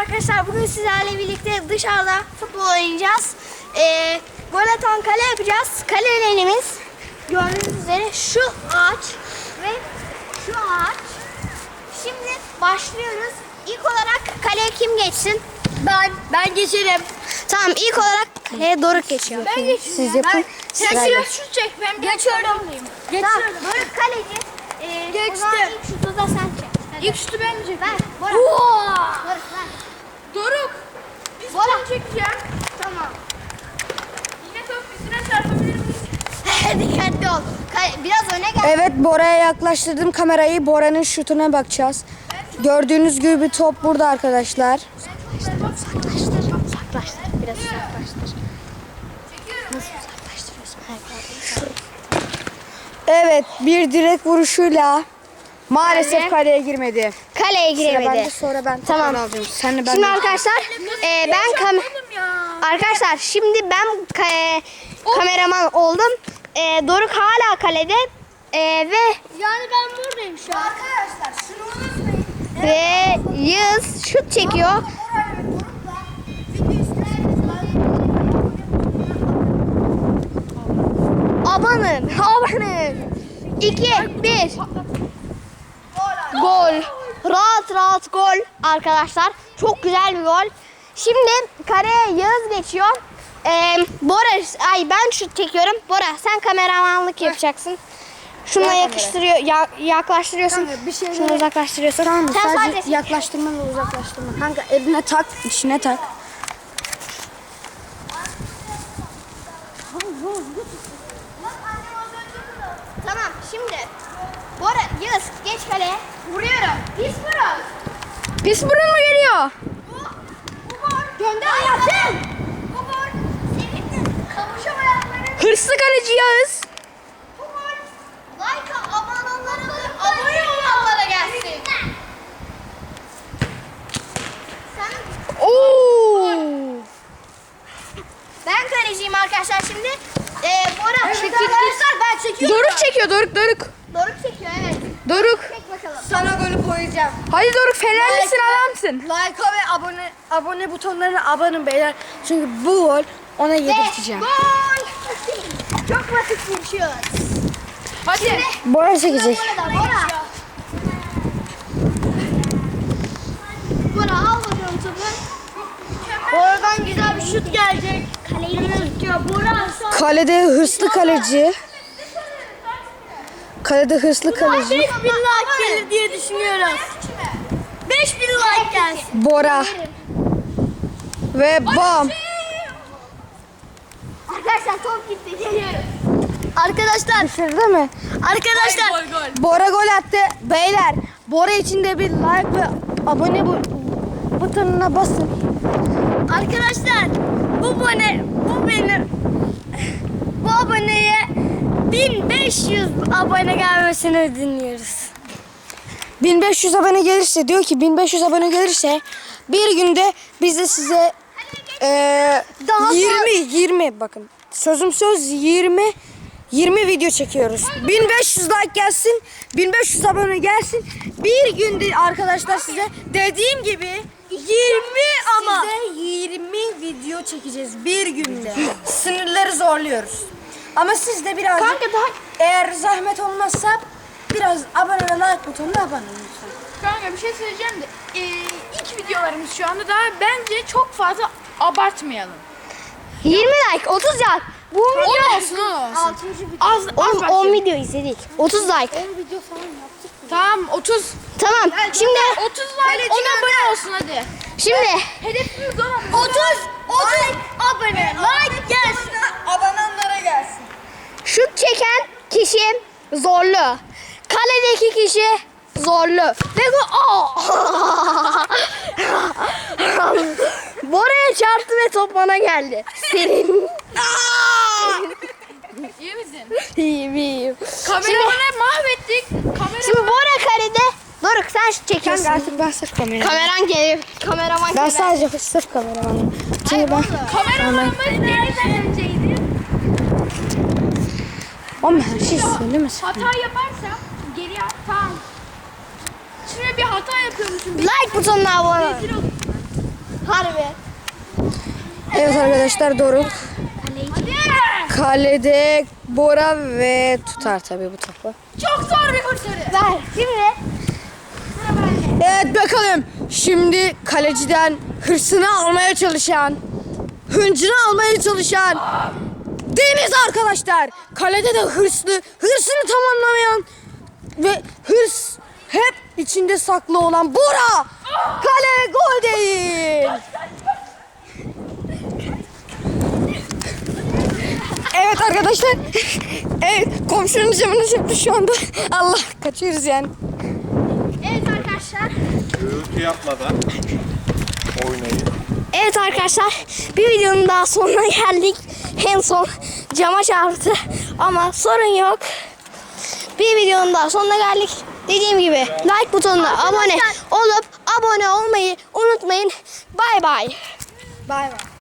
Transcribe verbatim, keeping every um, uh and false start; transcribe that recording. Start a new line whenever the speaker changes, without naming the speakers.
arkadaşlar, bugün sizlerle birlikte dışarıda futbol oynayacağız. Ee, gol atan kale yapacağız. Kalelerimiz gördüğünüz üzere şu ağaç ve şu ağaç. Şimdi başlıyoruz. İlk olarak kaleye kim geçsin?
Ben, ben geçerim.
Tamam, ilk olarak kaleye Doruk geçiyor.
Ben geçiyorum.
Siz yapın.
Sen
Sırayla.
şut çek, ben
Geçiyorum.
Geçiyorum.
Tamam, Doruk kaleci. Ee,
Geçtim.
O zaman ilk şutu da sen çek. Hadi.
İlk şutu ben mi çekeyim?
Ver, Bora.
Oo!
Doruk ver.
Doruk. Pis
Bora.
ben çekeceğim.
Tamam.
Yine top üstüne çarpabilir miyiz?
Dikkatli ol. Kale- Biraz öne gel.
Evet, Bora'ya yaklaştırdım kamerayı. Bora'nın şutuna bakacağız. Gördüğünüz gibi top burada arkadaşlar.
Uzaklaştır. Uzaklaştır. Biraz uzaklaştır. Nasıl uzaklaştırıyorsun?
Evet, bir direk vuruşuyla maalesef
Kale.
kaleye girmedi.
Kaleye
Sıra bende,
giremedi.
sonra ben
Tamam.
tekrar alacağım. Sen de ben
Şimdi
de.
arkadaşlar e, ben kam
Oğlum ya.
arkadaşlar şimdi ben ka- kameraman oldum. E, Doruk hala kalede. E, ve
Yani ben buradayım şu an.
arkadaşlar şunu unutmayın. Ve Yağız şut çekiyor. Abanın, abanın. iki, bir. Gol. Rahat rahat gol arkadaşlar. Çok güzel bir gol. Şimdi kareye Yağız geçiyor. Ee, Bora, ay ben şut çekiyorum. Bora sen kameramanlık yapacaksın. Şununla
Ver
yakıştırıyor, ya- yaklaştırıyorsun.
Kanka, bir şeyleri-
Şunu uzaklaştırıyorsun.
Tamam mı?
Sen
Sadece
sadece
yaklaştırma ve uzaklaştırma. Kanka eline tak, içine tak.
Tamam, şimdi Bora, Yağız geç kaleye. Vuruyorum. Pis vurun.
Pis burun mu geliyor?
Bu, bu gol. Gönder hayatım. Bu gol. Senin kavuşamayanların
Hırslı kaleci Yağız.
bu gol. Like abonelere, abone olanlara gelsin. Sen,
Oo!
ben kaleciyim arkadaşlar şimdi. Ee, Bora çekil.
ben çekiyorum.
Doruk çekiyor, Doruk, Doruk.
Doruk çekiyor, evet.
Doruk.
Çek bakalım.
Sana golü koyacağım.
Hadi Doruk, Fenerlisin, adamsın.
Like ve abone.
Abone butonlarına abanın beyler. Çünkü bu gol ona
Ve
yedirteceğim.
gol. Çok basit bir şey.
Hadi.
Bora çekecek.
Bora da Bora. Bora al bakalım topu.
Oradan güzel bir şut gelecek.
Kaleyi tutuyor. Bora.
Kalede hırslı kaleci. Kalede hırslı kaleci.
beş bin like gelir diye düşünüyorum. beş bin like gelsin.
Bora. Ve bam.
Arkadaşlar top gitti. Geliyorum.
Arkadaşlar,
Düşürdü mü?
arkadaşlar.
Gol gol.
Bora gol attı. Beyler, Bora için de bir like ve abone bu butonuna basın.
Arkadaşlar, bu abone, bu benim. Bu aboneye bin beş yüz abone gelmesini dinliyoruz.
bin beş yüz abone gelirse, diyor ki bin beş yüz abone gelirse bir günde biz de size eee
Daha
yirmi yirmi bakın. Sözüm söz yirmi yirmi video çekiyoruz. bin beş yüz like gelsin, bin beş yüz abone gelsin. Bir günde arkadaşlar size dediğim gibi yirmi ama size yirmi video çekeceğiz bir günde. Sınırları zorluyoruz. Ama siz de biraz
Kanka daha
eğer zahmet olmazsa biraz abone ve like butonuna abone olun lütfen.
Kanka bir şey söyleyeceğim de e, ilk videolarımız şu anda daha bence çok fazla abartmayalım.
yirmi like, otuz like. Bu
on
video
olsun on olsun.
altıncı video.
Az, az
Oğlum on
başlayalım.
video izledik. otuz like.
Tamam otuz.
Tamam. Şimdi
otuz like on abone olsun hadi.
şimdi
Hedefimiz on.
otuz otuz abone like gelsin.
Abonenlere gelsin.
şut çeken kişi zorlu. Kaledeki kişi zorlu. Ve bu Aa! Bora'ya çarptı ve top bana geldi. Senin.
İyi misin?
İyiyim iyiyim.
Kameramanı mahvettik. Kamera
Şimdi Bora kalede. Doruk sen şut çekiyorsun.
Kanka artık ben sırf kameraman.
Kameran gelir. Kameraman
Ben
gelir.
sadece sırf kameramanım. Çünkü ben...
kameramanımız nereden önceydi?
Oğlum her şey söylemesin.
Hata yaparsam geri tamam. Şimdi bir hata yapıyormuşum.
Like butonuna abone ol.
Rezil oldum.
Harbi.
Evet arkadaşlar Doruk. Kalede Bora ve tutar tabii bu topu.
Çok zor bir kurtarı.
Ver. Şimdi.
Evet bakalım. Şimdi kaleciden hırsını almaya çalışan, hıncını almaya çalışan Deniz arkadaşlar. Kalede de hırslı, hırsını tamamlamayan ve hırs hep içinde saklı olan Bora. Kale gol değil. Evet arkadaşlar. Evet komşunun camını çekti şu anda. Allah kaçıyoruz yani.
Evet arkadaşlar.
Gürültü yapmadan oynayın.
Evet arkadaşlar. Bir videonun daha sonuna geldik. En son cama çarptı. Ama sorun yok. Bir videonun daha sonuna geldik. Dediğim gibi like butonuna abone olup abone olmayı unutmayın. Bay bay.
Bay bay.